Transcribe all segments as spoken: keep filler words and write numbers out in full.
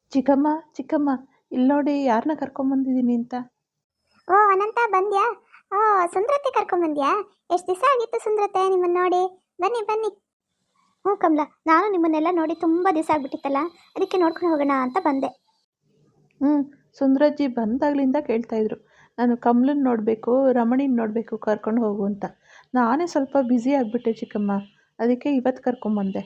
ಚಿಕ್ಕಮ್ಮ ಚಿಕ್ಕಮ್ಮ ಇಲ್ಲಿ ನೋಡಿ ಯಾರನ್ನ ಕರ್ಕೊಂಬಂದಿದ್ದೀನಿ ಅಂತ. ಓ ಅನಂತ ಬಂದ್ಯಾ? ಓ ಸುಂದ್ರತೆ ಕರ್ಕೊಂಬಂದ್ಯಾ? ಎಷ್ಟು ದಿವಸ ಆಗಿತ್ತು ಸುಂದ್ರತೆ ನಿಮ್ಮನ್ನು ನೋಡಿ. ಬನ್ನಿ ಬನ್ನಿ. ಹ್ಞೂ ಕಮಲ, ನಾನು ನಿಮ್ಮನ್ನೆಲ್ಲ ನೋಡಿ ತುಂಬ ದಿವಸ ಆಗ್ಬಿಟ್ಟಿತ್ತಲ್ಲ, ಅದಕ್ಕೆ ನೋಡ್ಕೊಂಡು ಹೋಗೋಣ ಅಂತ ಬಂದೆ. ಹ್ಞೂ ಸುಂದ್ರಜ್ಜಿ ಬಂದಾಗಲಿಂದ ಕೇಳ್ತಾಯಿದ್ರು, ನಾನು ಕಮಲನ್ನ ನೋಡಬೇಕು, ರಮಣಿನ ನೋಡಬೇಕು, ಕರ್ಕೊಂಡು ಹೋಗು ಅಂತ. ನಾನೇ ಸ್ವಲ್ಪ ಬ್ಯುಸಿ ಆಗಿಬಿಟ್ಟೆ ಚಿಕ್ಕಮ್ಮ, ಅದಕ್ಕೆ ಇವತ್ತು ಕರ್ಕೊಂಬಂದೆ.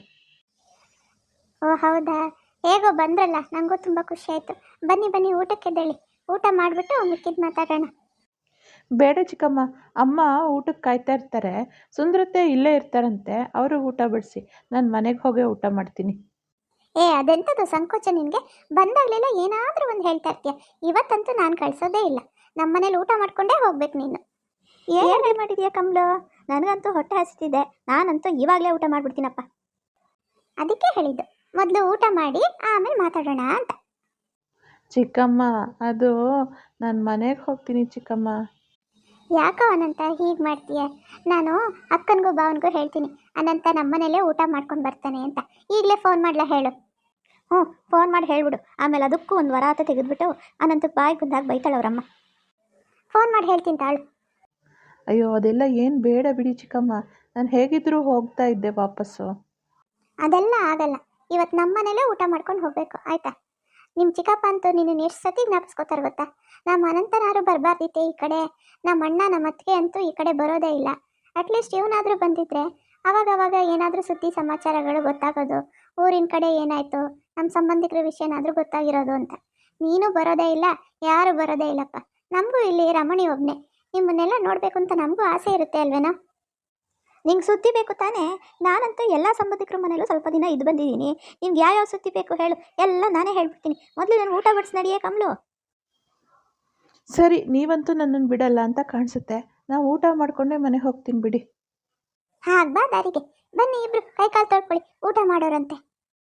ಓ ಹೌದಾ, ಹೇಗೋ ಬಂದ್ರಲ್ಲ, ನನಗೂ ತುಂಬ ಖುಷಿ ಆಯಿತು. ಬನ್ನಿ ಬನ್ನಿ, ಊಟಕ್ಕೆ ಎದ್ದೇಳಿ, ಊಟ ಮಾಡಿಬಿಟ್ಟು ಮಿಕ್ಕಿದ್ದು ಮಾತಾಡೋಣ. ಬೇಡ ಚಿಕ್ಕಮ್ಮ, ಅಮ್ಮ ಊಟಕ್ಕೆ ಕಾಯ್ತಾ ಇರ್ತಾರೆ, ಸುಂದ್ರತೆ ಇಲ್ಲೇ ಇರ್ತಾರಂತೆ, ಅವರು ಊಟ ಬಡಿಸಿ, ನಾನು ಮನೆಗೆ ಹೋಗೇ ಊಟ ಮಾಡ್ತೀನಿ. ಏ ಅದೆಂಥದ್ದು ಸಂಕೋಚ ನಿನಗೆ? ಬಂದಾಗಲೆಲ್ಲ ಏನಾದರೂ ಒಂದು ಹೇಳ್ತಾ ಇರ್ತೀಯ. ಇವತ್ತಂತೂ ನಾನು ಕಳಿಸೋದೇ ಇಲ್ಲ. ನಮ್ಮ ಮನೇಲಿ ಊಟ ಮಾಡ್ಕೊಂಡೇ ಹೋಗ್ಬೇಕು ನೀನು. ಏನು ಮಾಡಿದೀಯ ಕಮಲು? ನನಗಂತೂ ಹೊಟ್ಟೆ ಹಸಿತಿದೆ, ನಾನಂತೂ ಇವಾಗಲೇ ಊಟ ಮಾಡಿಬಿಡ್ತೀನಪ್ಪ. ಅದಕ್ಕೆ ಹೇಳಿದ್ದು, ಮೊದಲು ಊಟ ಮಾಡಿ ಆಮೇಲೆ ಮಾತಾಡೋಣ ಅಂತ. ಚಿಕ್ಕಮ್ಮ, ಅದು ನಾನು ಮನೆಗೆ ಹೋಗ್ತೀನಿ ಚಿಕ್ಕಮ್ಮ. ಯಾಕೋ ಅನಂತ ಹೀಗೆ ಮಾಡ್ತೀಯ? ನಾನು ಅಕ್ಕನಿಗೂ ಭಾವನಿಗೂ ಹೇಳ್ತೀನಿ, ಅನಂತ ನಮ್ಮನೇಲೇ ಊಟ ಮಾಡ್ಕೊಂಡು ಬರ್ತಾನೆ ಅಂತ. ಈಗಲೇ ಫೋನ್ ಮಾಡಲ ಹೇಳು. ಹ್ಞೂ ಫೋನ್ ಮಾಡಿ ಹೇಳ್ಬಿಡು. ಆಮೇಲೆ ಅದಕ್ಕೂ ಒಂದು ವರ ಆತ ತೆಗೆದುಬಿಟ್ಟು ಅನಂತಕ್ಕೆ ಬಾಯಿ ಬಂದಾಗ ಬೈತಾಳವ್ರಮ್ಮ. ಫೋನ್ ಮಾಡಿ ಹೇಳ್ತೀನಿ ತಾಳು. ಅಯ್ಯೋ ಅದೆಲ್ಲ ಏನು ಬೇಡ ಬಿಡಿ ಚಿಕ್ಕಮ್ಮ, ನಾನು ಹೇಗಿದ್ದರೂ ಹೋಗ್ತಾ ಇದ್ದೆ ವಾಪಸ್ಸು. ಅದೆಲ್ಲ ಆಗಲ್ಲ. ಇವತ್ತು ನಮ್ಮ ಮನೇಲೇ ಊಟ ಮಾಡ್ಕೊಂಡು ಹೋಗಬೇಕು, ಆಯಿತಾ? ನಿಮ್ಮ ಚಿಕ್ಕಪ್ಪ ಅಂತೂ ನಿನ್ನ ಎಷ್ಟು ಸತಿ ಜ್ಞಾಪಿಸ್ಕೋತಾರೆ ಗೊತ್ತಾ? ನಮ್ಮ ಅನಂತನಾರು ಬರಬಾರ್ದಿತ್ತೆ ಈ ಕಡೆ, ನಮ್ಮ ಅಣ್ಣ ನಮ್ಮ ಅತ್ತಿಗೆ ಅಂತೂ ಈ ಕಡೆ ಬರೋದೇ ಇಲ್ಲ. ಅಟ್ಲೀಸ್ಟ್ ಇವನಾದರೂ ಬಂದಿದ್ರೆ ಅವಾಗವಾಗ ಏನಾದರೂ ಸುದ್ದಿ ಸಮಾಚಾರಗಳು ಗೊತ್ತಾಗೋದು, ಊರಿನ ಕಡೆ ಏನಾಯಿತು, ನಮ್ಮ ಸಂಬಂಧಿಕರ ವಿಷಯನಾದರೂ ಗೊತ್ತಾಗಿರೋದು ಅಂತ. ನೀನು ಬರೋದೇ ಇಲ್ಲ, ಯಾರು ಬರೋದೇ ಇಲ್ಲಪ್ಪ. ನಮಗೂ ಇಲ್ಲಿ ರಮಣಿ ಒಬ್ಬನೇ, ನಿಮ್ಮನ್ನೆಲ್ಲ ನೋಡಬೇಕು ಅಂತ ನಮಗೂ ಆಸೆ ಇರುತ್ತೆ ಅಲ್ವೇನೋ? ನಿಂಗೆ ಸುದ್ದಿ ಬೇಕು ತಾನೇ? ನಾನಂತೂ ಎಲ್ಲ ಸಂಬಂಧಿಕರ ಮನೇಲೂ ಸ್ವಲ್ಪ ದಿನ ಇದು ಬಂದಿದ್ದೀನಿ. ನಿಮ್ಗೆ ಯಾವ್ಯಾವ ಸುದ್ದಿ ಬೇಕು ಹೇಳು, ಎಲ್ಲ ನಾನೇ ಹೇಳ್ಬಿಡ್ತೀನಿ. ಮೊದಲು ನಾನು ಊಟ ಬಡಿಸಿ ನಡಿಯೇ ಕಮಲು. ಸರಿ, ನೀವಂತೂ ನನ್ನನ್ನು ಬಿಡಲ್ಲ ಅಂತ ಕಾಣಿಸುತ್ತೆ. ನಾವು ಊಟ ಮಾಡಿಕೊಂಡೇ ಮನೆಗೆ ಹೋಗ್ತೀನಿ ಬಿಡಿ. ಹಾಗೆ ಬಾ ದಾರಿಗೆ. ಬನ್ನಿ ಇಬ್ರು ಕೈ ಕಾಲು ತೊಳ್ಕೊಳ್ಳಿ, ಊಟ ಮಾಡೋರಂತೆ.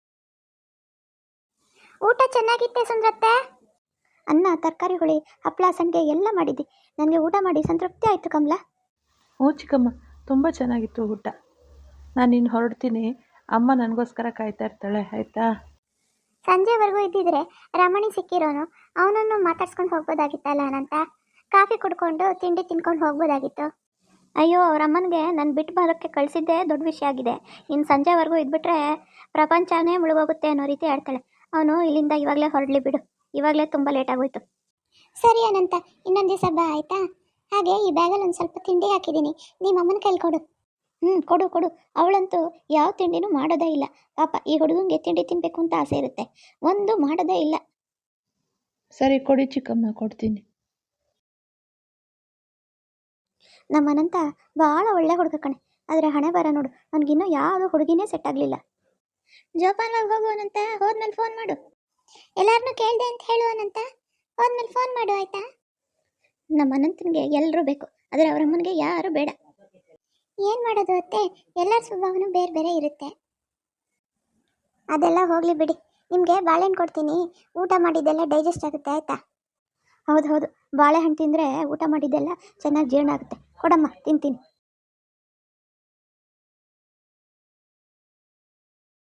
ಊಟ ಚೆನ್ನಾಗಿತ್ತೆ ಸುಂದ್ರತ್ತೆ? ಅನ್ನ, ತರಕಾರಿ ಹುಳಿ, ಹಪ್ಪಳ, ಸಂಡಿಗೆ ಎಲ್ಲ ಮಾಡಿದ್ದಿ. ನನಗೆ ಊಟ ಮಾಡಿ ಸಂತೃಪ್ತಿ ಆಯಿತು ಕಮಲ. ಹ್ಞೂ ಚಿಕ್ಕಮ್ಮ, ತುಂಬ ಚೆನ್ನಾಗಿತ್ತು ಊಟ. ನಾನು ಇನ್ನು ಹೊರಡ್ತೀನಿ, ಅಮ್ಮ ನನಗೋಸ್ಕರ ಕಾಯ್ತಾ ಇರ್ತಾಳೆ, ಆಯಿತಾ? ಸಂಜೆವರೆಗೂ ಇದ್ದಿದ್ರೆ ರಮಣಿ ಸಿಕ್ಕಿರೋನು, ಅವನನ್ನು ಮಾತಾಡ್ಸ್ಕೊಂಡು ಹೋಗ್ಬೋದಾಗಿತ್ತಲ್ಲ ಅನಂತ. ಕಾಫಿ ಕುಡ್ಕೊಂಡು ತಿಂಡಿ ತಿನ್ಕೊಂಡು ಹೋಗ್ಬೋದಾಗಿತ್ತು. ಅಯ್ಯೋ ಅವರಮ್ಮನಿಗೆ ನಾನು ಬಿಟ್ಟು ಬರೋಕ್ಕೆ ಕಳಿಸಿದ್ದೇ ದೊಡ್ಡ ವಿಷಯ ಆಗಿದೆ. ಇನ್ನು ಸಂಜೆವರೆಗೂ ಇದ್ಬಿಟ್ರೆ ಪ್ರಪಂಚನೇ ಮುಳುಗೋಗುತ್ತೆ ಅನ್ನೋ ರೀತಿ ಆಡ್ತಾಳೆ. ಅವನು ಇಲ್ಲಿಂದ ಇವಾಗಲೇ ಹೊರಡಲಿ ಬಿಡು, ಇವಾಗಲೇ ತುಂಬ ಲೇಟ್ ಆಗೋಯ್ತು. ಸರಿ ಅನಂತ, ಇನ್ನೊಂದು ದಿವಸ ಬಾ ಆಯಿತಾ? ಹಾಗೆ ಈ ಬ್ಯಾಗಲ್ಲಿ ಒಂದು ಸ್ವಲ್ಪ ತಿಂಡಿ ಹಾಕಿದ್ದೀನಿ, ನಿಮ್ಮ ಅಮ್ಮನ ಕೈಲಿ ಕೊಡು. ಹ್ಞೂ ಕೊಡು ಕೊಡು. ಅವಳಂತೂ ಯಾವ ತಿಂಡಿನೂ ಮಾಡೋದೇ ಇಲ್ಲ ಪಾಪ. ಈ ಹುಡುಗಂಗೆ ತಿಂಡಿ ತಿನ್ನಬೇಕು ಅಂತ ಆಸೆ ಇರುತ್ತೆ, ಒಂದು ಮಾಡೋದೇ ಇಲ್ಲ. ಸರಿ ಕೊಡಿ ಚಿಕ್ಕಮ್ಮ, ಕೊಡ್ತೀನಿ. ನಮ್ಮ ಅನಂತ ಭಾಳ ಒಳ್ಳೆ ಹುಡುಗ ಕಣೆ, ಆದರೆ ಹಣೆ ಬರ ನೋಡು, ನನಗಿನ್ನೂ ಯಾವುದೋ ಹುಡುಗಿನೇ ಸೆಟ್ ಆಗಲಿಲ್ಲ. ಜೋಪಾನವಾಗಿ ಹೋಗು ಅನಂತ, ಹೋದ್ಮೇಲೆ ಫೋನ್ ಮಾಡು. ಎಲ್ಲರನ್ನೂ ಕೇಳಿದೆ ಅಂತ ಹೇಳು ಅನಂತ, ಹೋದ್ಮೇಲೆ ಫೋನ್ ಮಾಡು ಆಯಿತಾ? ನಮ್ಮ ಅನಂತನಿಗೆ ಎಲ್ಲರೂ ಬೇಕು, ಆದರೆ ಅವರ ಅಮ್ಮನಿಗೆ ಯಾರೂ ಬೇಡ. ಏನು ಮಾಡೋದು ಅತ್ತೆ, ಎಲ್ಲರ ಸ್ವಭಾವನೂ ಬೇರೆ ಬೇರೆ ಇರುತ್ತೆ. ಅದೆಲ್ಲ ಹೋಗಲಿ ಬಿಡಿ. ನಿಮಗೆ ಬಾಳೆಹಣ್ಣು ಕೊಡ್ತೀನಿ, ಊಟ ಮಾಡಿದ್ದೆಲ್ಲ ಡೈಜೆಸ್ಟ್ ಆಗುತ್ತೆ ಆಯಿತಾ? ಹೌದು ಹೌದು, ಬಾಳೆಹಣ್ಣು ತಿಂದರೆ ಊಟ ಮಾಡಿದ್ದೆಲ್ಲ ಚೆನ್ನಾಗಿ ಜೀರ್ಣ ಆಗುತ್ತೆ. ಕೊಡಮ್ಮ ತಿಂತೀನಿ.